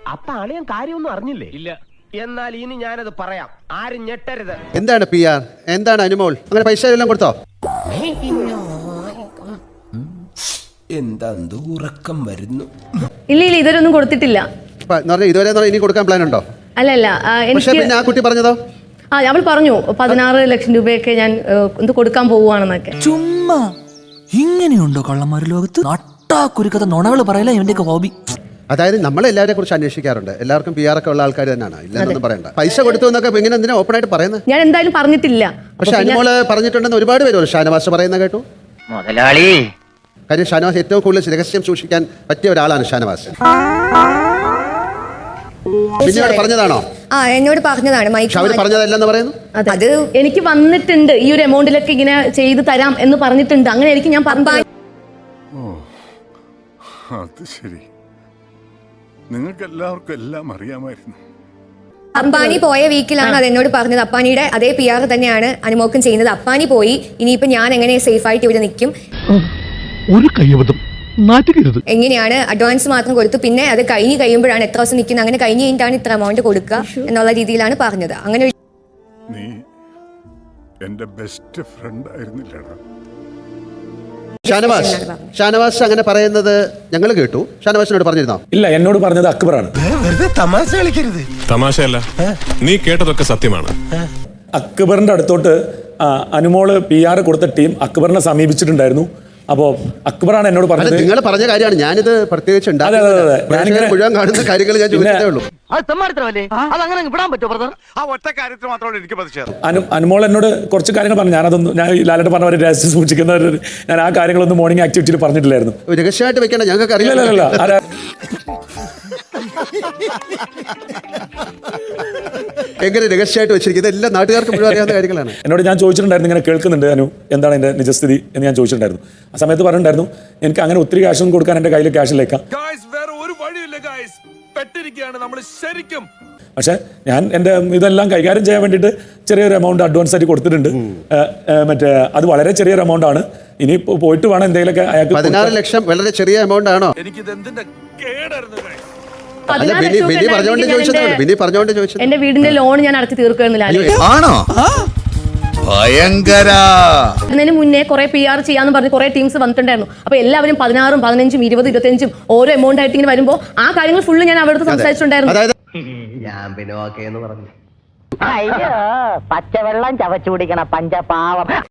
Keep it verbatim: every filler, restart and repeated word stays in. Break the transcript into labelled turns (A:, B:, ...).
A: അപ്പൊ അളിയൻ കാര്യമൊന്നും അറിഞ്ഞില്ലേ? ഇല്ല. എന്നാൽ ഇനി ഞാനത് പറയാം, ആരും ഞെട്ടരുത്.
B: എന്താണ് പി ആർ, എന്താണ് അനുമോൾ, അങ്ങനെ പൈസ എല്ലാം കൊടുത്തോ?
A: എന്താ ഉറക്കം വരുന്നു?
C: ഇല്ല ഇല്ല, ഇതുവരെയൊന്നും കൊടുത്തിട്ടില്ല.
B: ഇതുവരെ ഇനി കൊടുക്കാൻ പ്ലാൻ ഉണ്ടോ?
C: അല്ലല്ല,
B: പിന്നെ ആ കുട്ടി പറഞ്ഞതോ?
C: ആ, അവൾ പറഞ്ഞു പതിനാറ് ലക്ഷം രൂപയൊക്കെ ഞാൻ എന്ത് കൊടുക്കാൻ പോവുകയാണെന്നൊക്കെ.
D: ചുമ്മാ ഇങ്ങനെയുണ്ടോ കള്ളന്മാർ ലോകത്ത്? നട്ടാ കുരുക്കഥ നുണകൾ പറയല ഇവന്റെയൊക്കെ ഹോബി.
B: അതായത് നമ്മളെല്ലാവരെ കുറിച്ച് അന്വേഷിക്കാറുണ്ട്. എല്ലാവർക്കും പി ആർ ഒക്കെ ഉള്ള ആൾക്കാർ തന്നെയാണ്, ഇല്ലെന്നൊന്നും പറയണ്ട. പൈസ കൊടുത്തു എന്നൊക്കെ ഇങ്ങനെ എന്തിനാ ഓപ്പൺ ആയിട്ട് പറയുന്നത്?
C: ഞാൻ എന്തായാലും പറഞ്ഞിട്ടില്ല.
B: പക്ഷെ അനുമോള് പറഞ്ഞിട്ടുണ്ടെന്ന് ഒരുപാട് പേര് ഷാനവാസ് പറയുന്ന കേട്ടു.
E: മുതലാളി,
B: കാര്യം ഷാനവാസ് ഏറ്റവും കൂടുതൽ രഹസ്യം സൂക്ഷിക്കാൻ പറ്റിയ ഒരാളാണ് ഷാനവാസ്. പിന്നീട് പറഞ്ഞതാണോ?
F: ആ, എന്നോട് പറഞ്ഞതാണ്.
B: അവർ പറഞ്ഞതല്ലെന്ന് പറയുന്നു.
C: അത് എനിക്ക് വന്നിട്ടുണ്ട്, ഈ ഒരു എമൗണ്ടിലൊക്കെ ഇങ്ങനെ ചെയ്തു തരാം എന്ന് പറഞ്ഞിട്ടുണ്ട്. അങ്ങനെ ആയിരിക്കും ഞാൻ പറഞ്ഞു.
G: അത് ശരി, നിങ്ങൾക്ക് എല്ലാവർക്കും എല്ലാം അറിയാമായിരുന്നു.
F: അപ്പാനി പോയ വീക്കിലാണ് അത് എന്നോട് പറഞ്ഞത്. അപ്പാനിയുടെ അതേ പി ആർ തന്നെയാണ് അനുമോക്കും ചെയ്യുന്നത്. അപ്പാനി പോയി, ഇനിയിപ്പോ ഞാൻ എങ്ങനെ സേഫ് ആയിട്ട് ഇവിടെ നിൽക്കും?
H: ഒരു കയ്യബദ്ധം നാറ്റുകരുത്.
F: എങ്ങനെയാണ് അഡ്വാൻസ് മാത്രം കൊടുത്തു, പിന്നെ അത് കഴിഞ്ഞ് കഴിയുമ്പോഴാണ് എത്ര ദിവസം നിൽക്കുന്നത്, അങ്ങനെ കഴിഞ്ഞ് കഴിഞ്ഞിട്ടാണ് ഇത്ര എമൗണ്ട് കൊടുക്കുക എന്നുള്ള രീതിയിലാണ് പറഞ്ഞത്. അങ്ങനെ
G: നീ എന്റെ ബെസ്റ്റ് ഫ്രണ്ട് ആയിരുന്നില്ലടാ.
B: ഷാനവാസ് ഷാനവാസ് അങ്ങനെ പറയുന്നത് ഞങ്ങൾ കേട്ടു. ഷാനവാസിനോട് പറഞ്ഞിരുന്നോ?
I: ഇല്ല, എന്നോട് പറഞ്ഞത് അക്ബറാണ്.
G: തമാശ കളിക്കരുത്.
J: തമാശയല്ല, നീ കേട്ടതൊക്കെ സത്യമാണ്.
I: അക്ബറിന്റെ അടുത്തോട്ട് അനുമോള് പി ആർ കൊടുത്ത ടീം അക്ബറിനെ സമീപിച്ചിട്ടുണ്ടായിരുന്നു. അപ്പോ അക്ബറാണ് എന്നോട് പറഞ്ഞത്.
B: നിങ്ങൾ പറഞ്ഞ കാര്യമാണ്, ഞാനിത് പ്രത്യേകിച്ച് മുഴുവൻ കാണുന്ന കാര്യങ്ങൾ ഞാൻ ചോദിച്ചതേ ഉള്ളൂ.
I: അനുമോൾ എന്നോട് കുറച്ച് കാര്യങ്ങൾ പറഞ്ഞു. ഞാനതൊന്നും ഞാൻ ലാലേട്ടൻ പറഞ്ഞ പോലെ രഹസ്യം സൂക്ഷിക്കുന്നവർ, ഞാൻ ആ കാര്യങ്ങളൊന്നും മോർണിംഗ് ആക്ടിവിറ്റിയിൽ പറഞ്ഞിട്ടില്ലായിരുന്നു.
B: രഹസ്യമായിട്ട് വെക്കണ്ട, ഞങ്ങൾക്ക് അറിയില്ല. എങ്ങനെ രഹസ്യമായിട്ട് വെച്ചിരിക്കുന്നത് എല്ലാം നാട്ടുകാർക്ക് മുഴുവൻ അറിയാവുന്ന കാര്യങ്ങളാണ്.
I: എന്നോട് ഞാൻ ചോദിച്ചിട്ടുണ്ടായിരുന്നു, ഇങ്ങനെ കേൾക്കുന്നുണ്ട് അനു, എന്താണ് എൻ്റെ നിജസ്ഥിതി എന്ന് ഞാൻ ചോദിച്ചിട്ടുണ്ടായിരുന്നു. ആ സമയത്ത് പറഞ്ഞിട്ടുണ്ടായിരുന്നു എനിക്ക് അങ്ങനെ ഒത്തിരി ക്യാഷൊന്നും കൊടുക്കാൻ എൻ്റെ കയ്യിൽ ക്യാഷിലേക്കാം. പക്ഷെ ഞാൻ എൻ്റെ ഇതെല്ലാം കൈകാര്യം ചെയ്യാൻ വേണ്ടിയിട്ട് ചെറിയൊരു എമൗണ്ട് അഡ്വാൻസ് ആയിട്ട് കൊടുത്തിട്ടുണ്ട്. മറ്റേ അത് വളരെ ചെറിയൊരു എമൗണ്ട് ആണ്. ഇനി പോയിട്ട് വേണം എന്തെങ്കിലുമൊക്കെ അയാൾക്ക്.
B: പതിനാറ് ലക്ഷം വളരെ ചെറിയ എമൗണ്ട് ആണോ?
C: എന്റെ വീടിന്റെ ലോൺ ഞാൻ അടച്ചു തീർക്കുന്നില്ല.
H: ആണോ? ഭയങ്കര.
C: അതിന് മുന്നേ കുറെ പി ആർ ചെയ്യാന്ന് പറഞ്ഞ് കുറെ ടീംസ് വന്നിട്ടുണ്ടായിരുന്നു. അപ്പൊ എല്ലാവരും പതിനാറും പതിനഞ്ചും ഇരുപത് ഇരുപത്തിയഞ്ചും ഓരോ എമൗണ്ട് ആയിട്ട് ഇങ്ങനെ വരുമ്പോ ആ കാര്യങ്ങൾ ഫുള്ള് ഞാൻ അവിടുത്തെ സംസാരിച്ചിട്ടുണ്ടായിരുന്നു.
A: ഞാൻ പിന്നെ ഓക്കെ എന്ന് പറഞ്ഞു.
E: അയ്യോ, പച്ചവെള്ളം ചവച്ചു കുടിക്കണ പഞ്ചപാവം.